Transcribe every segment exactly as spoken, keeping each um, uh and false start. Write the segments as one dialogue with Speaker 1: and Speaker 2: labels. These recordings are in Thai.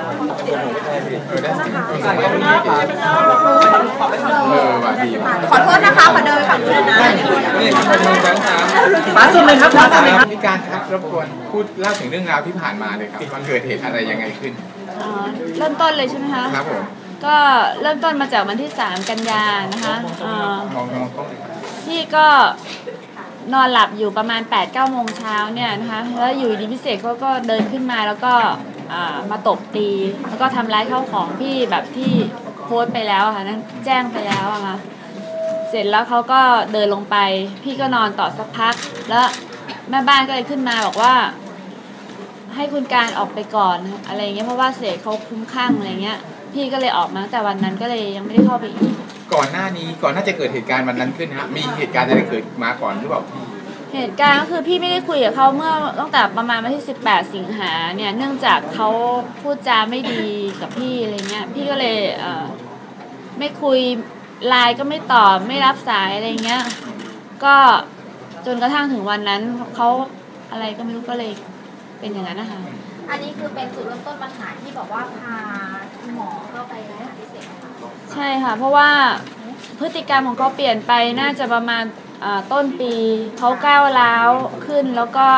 Speaker 1: ขอโทษนะคะขอเดินฝั่งนู้นนะ
Speaker 2: นี่ครับขอโทษครับมาสุดเลยครับมาสุดเลยครับพี่การครับรบกวนพูดเล่าถึงเรื่องราวที่ผ่านมาเลยครับมันเกิดเหตุอะไรยังไงขึ้น
Speaker 3: เริ่มต้นเลยใช่ไหมคะ
Speaker 2: ครับผม
Speaker 3: ก็เริ่มต้นมาจากวันที่สามกันยานะคะที่ก็นอนหลับอยู่ประมาณ แปดเก้า โมงเช้าเนี่ยนะคะแล้วอยู่ดีพิเศษเขาก็เดินขึ้นมาแล้วก็มาตบตีแล้วก็ทำร้ายข้าวของพี่แบบที่โพสต์ไปแล้วค่ะนั้นแจ้งไปแล้วอะค่ะเสร็จแล้วเขาก็เดินลงไปพี่ก็นอนต่อสักพักแล้วแม่บ้านก็เลยขึ้นมาบอกว่าให้คุณการออกไปก่อนอะไรเงี้ยเพราะว่าเสกเขาคุ้มข้างอะไรเงี้ยพี่ก็เลยออกมาแต่วันนั้นก็เลยยังไม่ได้เข้าไปอีก
Speaker 2: ก่อนหน้านี้ก่อนน่าจะเกิดเหตุการณ์วันนั้นขึ้นฮะมีเหตุการณ์อะไรเกิดมาก่อนหรือเปล่า
Speaker 3: เหตุการณ์ก็คือพี่ไม่ได้คุยกับเขาเมื่อตั้งแต่ประมาณวันที่สิบแปดสิงหาเนี่ยเนื่องจากเขาพูดจาไม่ดีกับพี่อะไรเงี้ยพี่ก็เลยเอ่อไม่คุยไลน์ก็ไม่ตอบไม่รับสายอะไรเงี้ยก็จนกระทั่งถึงวันนั้นเขาอะไรก็ไม่รู้ก็เลยเป็นอย่างนั้นนะคะ
Speaker 1: อันนี้คือเป็นจุดเริ่มต้นปัญหาที่บอกว่าพาหมอเข้าไปในสถานพิเศษ
Speaker 3: ใช่ค่ะเพราะว่าพฤติกรรมของเขาเปลี่ยนไปน่าจะประมาณต้นปีเขาก้าวร้าวขึ้นแล้วก็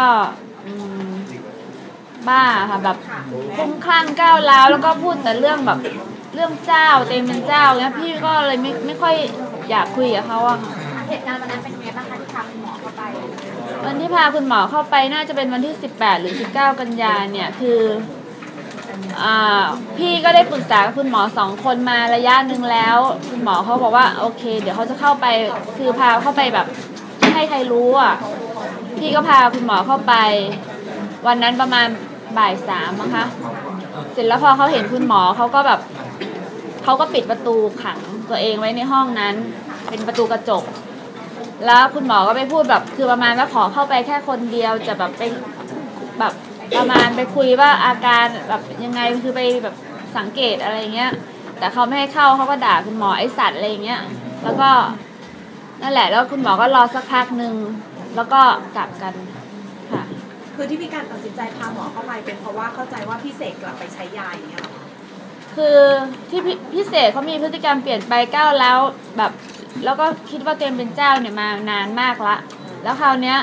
Speaker 3: บ้าค่ะแบบคุ้มคลั่งก้าวร้าวแล้วก็พูดแต่เรื่องแบบเรื่องเจ้าเต็มเป็นเจ้าเนี่ยพี่ก็เลยไม่ไม่ค่อยอยากคุยกับเขาอะค่ะ
Speaker 1: เหตุการณ์วันนั้นเป็นไงบ้างคะที่พาคุณหมอเข้าไป
Speaker 3: วันที่พาคุณหมอเข้าไปน่าจะเป็นวันที่สิบแปดหรือสิบเก้ากันยาเนี่ยคืออ่าพี่ก็ได้ปรึกษากับคุณหมอสองคนมาระยะหนึ่งแล้วคุณหมอเขาบอกว่าโอเคเดี๋ยวเขาจะเข้าไปคือพาเข้าไปแบบไม่ให้ใครรู้อ่ะพี่ก็พาคุณหมอเข้าไปวันนั้นประมาณบ่ายสามนะคะเสร็จแล้วพอเขาเห็นคุณหมอเขาก็แบบเขาก็ปิดประตูขังตัวเองไว้ในห้องนั้นเป็นประตูกระจกแล้วคุณหมอก็ไปพูดแบบคือประมาณว่าขอเข้าไปแค่คนเดียวจะแบบไปแบบประมาณไปคุยว่าอาการแบบยังไงคือไปแบบสังเกตอะไรเงี้ยแต่เขาไม่ให้เข้าเขาก็ด่าคุณหมอไอสัตว์อะไรเงี้ยแล้วก็นั่นแหละแล้วคุณหมอก็รอสักพักหนึ่งแล้วก็กลับกันค่ะ
Speaker 1: คือที่พี่การตัดสินใจพาหมอเข้าไปเป็นเพราะว่าเข้าใจว่าพี่เสกกลับไปใช้ยาอย่างเงี้ยหรอ
Speaker 3: คือที่พี่เสกเขามีพฤติกรรมเปลี่ยนไปก้าวแล้วแบบแล้วก็คิดว่าตัวเองเป็นเจ้าเนี่ยมานานมากละแล้วคราวเนี้ย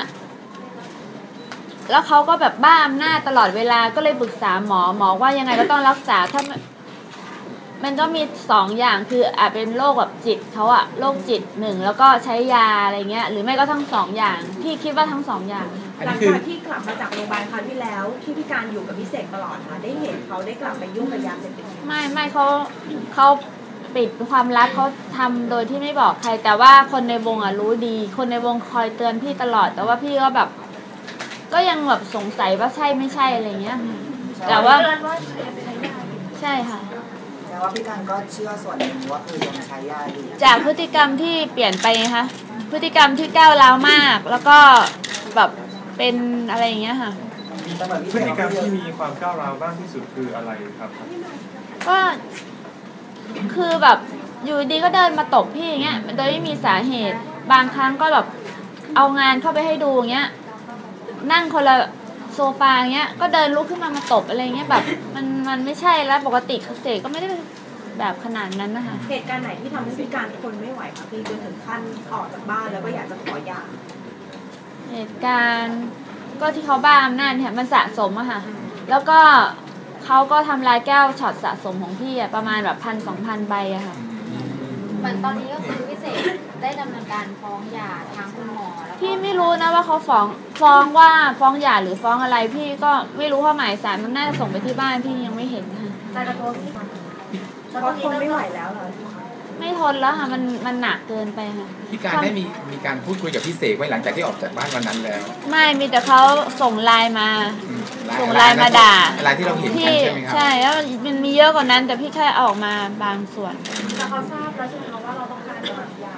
Speaker 3: แล้วเขาก็แบบบ้าอำนาจตลอดเวลาก็เลยปรึกษาหมอหมอว่ายังไงก็ต้องรักษาถ้ามันก็มีสองอย่างคืออาจเป็นโรคแบบจิตเขาอะโรคจิตหนึ่งแล้วก็ใช้ยาอะไรเงี้ยหรือไม่ก็ทั้งสองอย่างพี่คิดว่าทั้งสองอย่าง
Speaker 1: หลังจากที่กลับมาจากโรงพยาบาลคราวที่แล้วที่พี่การอยู่กับพี่เสกตลอดค่ะได้เห็นเขาได้กลับไปยุ่งกับยาเสพติด
Speaker 3: ไม่ไม่เขาเขาปิดความลับเขาทำโดยที่ไม่บอกใครแต่ว่าคนในวงอะรู้ดีคนในวงคอยเตือนพี่ตลอดแต่ว่าพี่ก็แบบก็ยังแบบสงสัยว่าใช่ไม่ใช่อะไรเงี้ยแต่ว่าใช่ค่ะ
Speaker 4: แต่ว่าพี่การก็เชื่อส่วนหนึ่งว่าคือยังใช้ยาอยู่
Speaker 3: จากพฤติกรรมที่เปลี่ยนไปนะคะพฤติกรรมที่ก้าวร้าวมากแล้วก็แบบเป็นอะไรอย่างเงี้ยค่ะ
Speaker 5: พฤติกรรมที่มีความก้าวร้าวบ้างที่สุดคืออะไรครับ
Speaker 3: ก็คือแบบอยู่ดีก็เดินมาตบพี่อย่างเงี้ยโดยไม่มีสาเหตุบางครั้งก็แบบเอางานเข้าไปให้ดูอย่างเงี้ยนั่งคนละโซฟาเงี้ยก็เดินลุกขึ้นมามาตบอะไรเงี้ยแบบมันมันไม่ใช่แล้วปกติเสกก็ไม่ได้แบบขนาดนั้นนะคะ
Speaker 1: เหตุการณ์ไหนที่ทำให้พี่การทนไม่ไหวคะพี่จนถึงขั้นออกจากบ้านแล้วก็อยากจะขอหย่า
Speaker 3: เหตุการณ์ก็ที่เขาบ้าอำนาจเนี่ยมันสะสมอะค่ะแล้วก็เขาก็ทำลายแก้วช็อตสะสมของพี่อะประมาณแบบพันสองพันใบอะค่ะ
Speaker 1: เหมือนตอนนี้ก็คือพี่เสกได้ดำเนินการฟ้องหย่าทางคุณหมอแล้ว
Speaker 3: พี่ไม่รู้นะว่าเขาฟ้องฟ้องว่าฟ้องหย่าหรือฟ้องอะไรพี่ก็ไม่รู้เพราะหมายสารมันน่าจะส่งไปที่บ้านพี่ยังไม่เห็นค่ะ
Speaker 1: แต่กระทบพี่เพราะทนไม่ไหวแล้วเหรอ
Speaker 3: ไม่ทนแล้วค่ะมันมันหนักเกินไปค่ะ
Speaker 2: พี่การได้มีมีการพูดคุยกับพี่เสกไว้หลังจากที่ออกจากบ้านวันนั้นแล้ว
Speaker 3: ไม่มีแต่เขาส่งไลน์มาส่งไลน์มาด่า
Speaker 2: อะไรที่เราเห็นกันใช่ไหมครับ
Speaker 3: ใช่แล้วมันมีเยอะกว่านั้นแต่พี่แค่ออกมาบางส่วน
Speaker 1: แต่เขาทราบแล้วใช่ไหมว่าเราต้องการจะแบบหย่า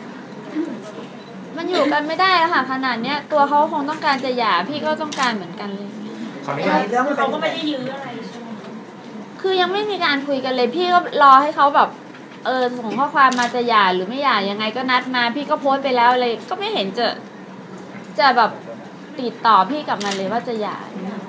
Speaker 3: มันอยู่กันไม่ได้แล้วค่ะขนาดเนี้ยตัวเขาคงต้องการจะหย่าพี่ก็ต้องการเหมือนกันเลย
Speaker 1: เขาก็ไม่ได้ยื้ออะไรใช่ไหม
Speaker 3: คือยังไม่มีการคุยกันเลยพี่ก็รอให้เขาแบบเออส่งข้อความมาจะหย่าหรือไม่หย่ายังไงก็นัดมาพี่ก็โพสต์ไปแล้วเลยก็ไม่เห็นจะจะแบบติดต่อพี่กลับมาเลยว่าจะหย่า
Speaker 1: เหมือน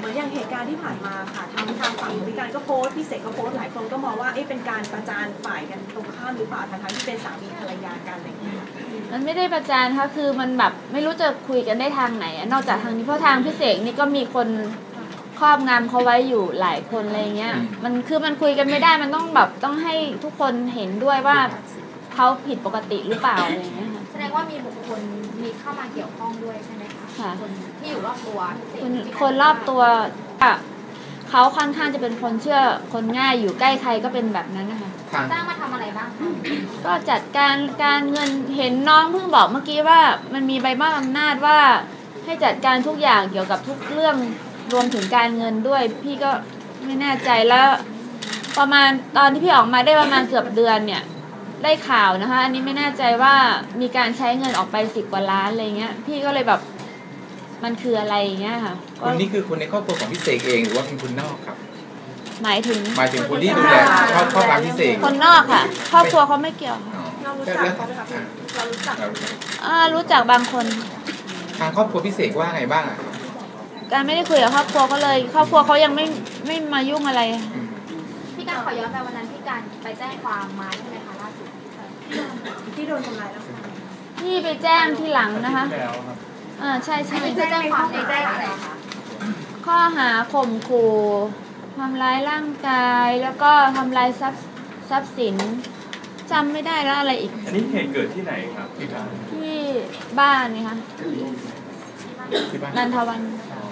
Speaker 1: มือนอย่างเหตุการณ์ที่ผ่านมาค่ะทางทางฝั่งพิการก็โพสต์พี่เสกก็โพสต์หลายคนก็มองว่าเอ๊ะเป็นการประจานฝ่ายกันตรงข้ามหรือเปล่าทั้งๆที่เป็นสามีภรรยากันอะไรอย่างเงี้ย
Speaker 3: มันไม่ได้ประจานค่ะคือมันแบบไม่รู้จะคุยกันได้ทางไหนอะนอกจากทางนี้เพราะทางพี่เสกนี่ก็มีคนครอบงำเขาไว้อยู่หลายคนอะไรเงี้ยมันคือมันคุยกันไม่ได้มันต้องแบบต้องให้ทุกคนเห็นด้วยว่าเขาผิดปกติหรือเปล่าอะไรเงี้ยค่ะ
Speaker 6: แสดงว่ามีบุคคลมีเข้ามาเกี่ยวข้องด้วยใช่ไหมคะ
Speaker 3: ค่ะ
Speaker 6: คนที่อยู่รอบตัวพี่เสก
Speaker 3: คนคนรอบตัวอะเขาค่อนข้างจะเป็นคนเชื่อคนง่ายอยู่ใกล้ใครก็เป็นแบบนั้นนะคะ
Speaker 6: จ้างมาทำอะไรบ้างคะ
Speaker 3: ก็จัดการการเงินเห็นน้องเพิ่งบอกเมื่อกี้ว่ามันมีใบมอบอำนาจว่าให้จัดการทุกอย่างเกี่ยวกับทุกเรื่องรวมถึงการเงินด้วยพี่ก็ไม่แน่ใจแล้วประมาณตอนที่พี่ออกมาได้ประมาณเกือบเดือนเนี่ยได้ข่าวนะคะอันนี้ไม่แน่ใจว่ามีการใช้เงินออกไปสิบกว่าล้านอะไรเงี้ยพี่ก็เลยแบบมันคืออะไรอย่างเงี้ยค่ะ
Speaker 2: คนนี้คือคนในครอบครัวของพี่เสกเองหรือว่าเป็นคนนอกครับ
Speaker 3: หมายถึง
Speaker 2: หมายถึงคนที่ดูแลครอบครัวพี่เสก
Speaker 3: คนนอกค่ะครอบครัวเขาไม่เกี่ยว
Speaker 1: เรารู้จักเขาไหมคะเรารู้จัก
Speaker 3: อ่ารู้จักบางคน
Speaker 2: ทางครอบครัวพี่เสกว่าไงบ้างอ่ะ
Speaker 3: การไม่ได้คุยกับครอบครัวก็เลยครอบครัวเขายังไม่ไม่มายุ่งอะไร
Speaker 6: พี่การขอย้อนไปวันนั้นพี่การไปแจ้งความมาใช่ไหมคะล่าสุด
Speaker 1: ที่โดนทำร้ายแล้ว
Speaker 3: พี่ไปแจ้งที่หลังนะคะอ่าใช่ใช่
Speaker 6: แจ้งความในแจ้งอะไรคะ
Speaker 3: ข้อหาข่มขู่ทำร้ายร่างกายแล้วก็ทำลายทรัพย์ทรัพย์สินจำไม่ได้แล้วอะไรอีก
Speaker 5: อันนี้เหตุเกิดที่ไหนครับที่บ้าน
Speaker 3: ที่บ้านนี่ค่ะนันทวัน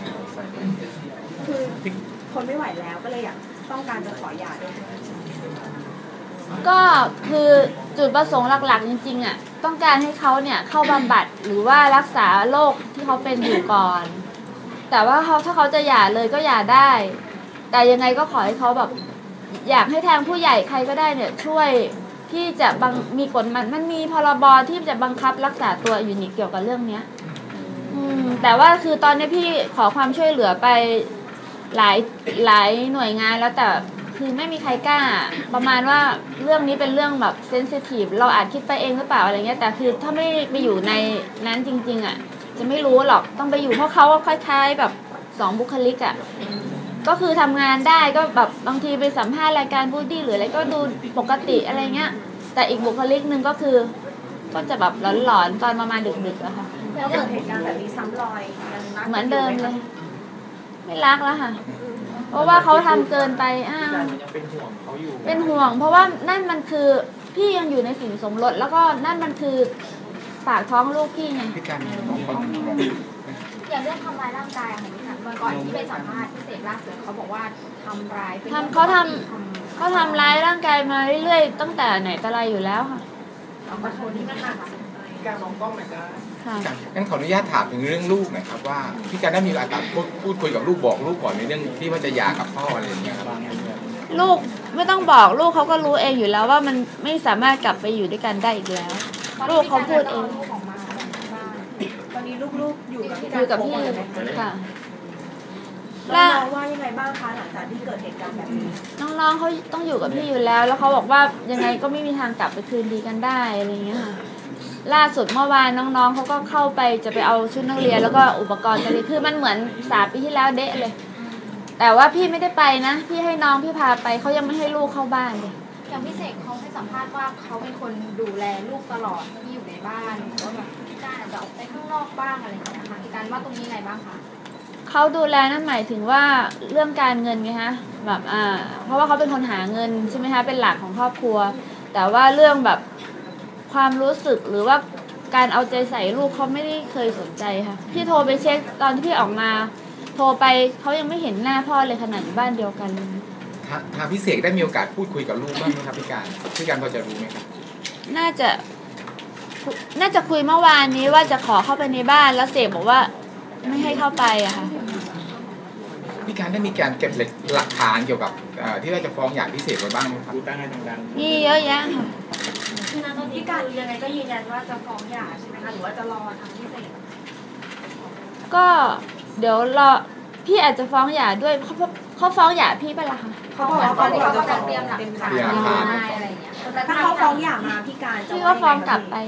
Speaker 1: คือคนไม่ไหวแล้วก็เลยอยากต้องการจะขอหย่าด้วย
Speaker 3: ก็คือจุดประสงค์หลักๆจริงๆอ่ะต้องการให้เขาเนี่ยเข้าบำบัดหรือว่ารักษาโรคที่เขาเป็นอยู่ก่อนแต่ว่าเขาถ้าเขาจะหย่าเลยก็หย่าได้แต่ยังไงก็ขอให้เขาแบบอยากให้ทางผู้ใหญ่ใครก็ได้เนี่ยช่วยที่จะบังมีกฎมันมันมีพรบที่จะบังคับรักษาตัวอยู่นี่เกี่ยวกับเรื่องเนี้ยอืมแต่ว่าคือตอนนี้พี่ขอความช่วยเหลือไปหลายหลายหน่วยงานแล้วแต่คือไม่มีใครกล้าประมาณว่าเรื่องนี้เป็นเรื่องแบบเซนซิทีฟเราอาจคิดไปเองหรือเปล่าอะไรเงี้ยแต่คือถ้าไม่ไปอยู่ในนั้นจริงๆอ่ะจะไม่รู้หรอกต้องไปอยู่เพราะเขาคล้ายๆแบบสองบุคลิกอ่ะก็คือทำงานได้ก็แบบบางทีไปสัมภาษณ์รายการบูดดี้หรืออะไรก็ดูปกติอะไรเงี้ยแต่อีกบุคลิกนึงก็คือก็จะแบบหลอนๆตอนประมาณดึกๆอะค่ะ
Speaker 1: แล้วเกิดเหตุการณ์แบบนี้ซ้ำรอย
Speaker 3: เหมือนเดิมเลยไม่รักแล้วค่ะเพราะว่าเขาทำเกินไปอ่า
Speaker 5: เป็นห่วงเขาอยู่
Speaker 3: เป็นห่วงเพราะว่านั่นมันคือพี่ยังอยู่ในสินสมรสแล้วก็นั่นมันคือปากท้องลูกพี่ไง
Speaker 2: พี่การ
Speaker 6: อย่างเรื่องทำร้ายร่างกายอะค่ะพี่การวันก่อนที่ไปสัมภาษณ์พิเศษล่าสุดเขาบอกว่าทำร้าย
Speaker 3: ทำเขาทำเขาทำร้ายร่างกายมาเรื่อยๆตั้งแต่ไหนแต่ไรอยู่แล้วค่ะ
Speaker 6: ขอโทษที่มันค่ะ
Speaker 2: การมองกล้องหน่อยได้ค่ะงั้นขออนุญาตถามถึงเรื่องลูกหน่อยครับว่าพี่การได้มีการพูดพูดคุยกับลูกบอกลูกก่อนในเรื่องที่ว่าจะหย่ากับพ่ออะไรอย่างเงี้ยครับ
Speaker 3: ลูกไม่ต้องบอกลูกเขาก็รู้เองอยู่แล้วว่ามันไม่สามารถกลับไปอยู่ด้วยกันได้อีกแล้วลูกเขาพูดเอง
Speaker 1: ตอนนี้ลูกๆอยู่กับพี่
Speaker 3: อยู่กับพี่ค่ะ
Speaker 1: แล้วน้องว่ายังไงบ้างคะหลังจากที่เกิดเหตุการณ์แบบนี้
Speaker 3: น้องๆเขาต้องอยู่กับพี่อยู่แล้วแล้วเขาบอกว่ายังไงก็ไม่มีทางกลับไปคืนดีกันได้อะไรเงี้ยค่ะล่าสุดเมื่อวานน้องๆเขาก็เข้าไปจะไปเอาชุดนักเรียนแล้วก็อุปกรณ์กันเลยคือมันเหมือนสามปีที่แล้วเดะเลยแต่ว่าพี่ไม่ได้ไปนะพี่ให้น้องพี่พาไปเขายังไม่ให้ลูกเข้าบ้านเลย
Speaker 6: อย่างพี่เสกเขาให้สัมภาษณ์ว่าเขาเป็นคนดูแลลูกตลอดที่อยู่ในบ้านหรือว่าแบบพี่การอาจจะออกไปข้างนอกบ้างอะไรอย่างเงี้ยค่ะพี่การว่าตรงนี้ไงบ้างคะ
Speaker 3: เขาดูแลนั่นหมายถึงว่าเรื่องการเงินไงฮะแบบอ่าเพราะว่าเขาเป็นคนหาเงินใช่ไหมคะเป็นหลักของครอบครัวแต่ว่าเรื่องแบบความรู้สึกหรือว่าการเอาใจใส่ลูกเขาไม่ได้เคยสนใจค่ะพี่โทรไปเช็คตอนที่พี่ออกมาโทรไปเขายังไม่เห็นหน้าพ่อเลยขนาดบ้านเดียวกัน
Speaker 2: ทางพี่เสกได้มีโอกาสพูดคุยกับลูกบ้างไหมครับพี่การพี่การพอจะรู้ไหมครับ
Speaker 3: น่าจะน่าจะคุยเมื่อวานนี้ว่าจะขอเข้าไปในบ้านแล้วเสกบอกว่าไม่ให้เข้าไปอะค่ะ
Speaker 2: พี่การได้มีการเก็บหลักฐานเกี่ยวกับที่ว่าจะฟ้องหย่าพี่เสกไว้บ้างไหมครับ
Speaker 5: ดูตั้งให้ดัง
Speaker 3: ๆนี่เยอะแยะค่ะ
Speaker 1: พี่การยังไงก็ยืนยันว่าจะฟ้องหย่าใช่ไหมคะหรือว่าจะรอทางพี่เสก
Speaker 3: ก็เดี๋ยวรอพี่อาจจะฟ้องหย่าด้วยเขาเขาฟ้องหย่าพี่ไปละค่ะ
Speaker 6: เขาบอกว่าเขาจะเตรียมหลักฐานอะไรอย่างเงี้ย
Speaker 1: แต่ถ้าเขาฟ้องหย่ามาพี่การ
Speaker 3: พี่ก็ฟ้องกลับไป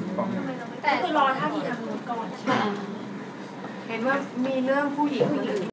Speaker 1: แต่คือรอท่าทีทางนู้นก่อนเห็นว่ามีเรื่องผู้หญิงคนอื่น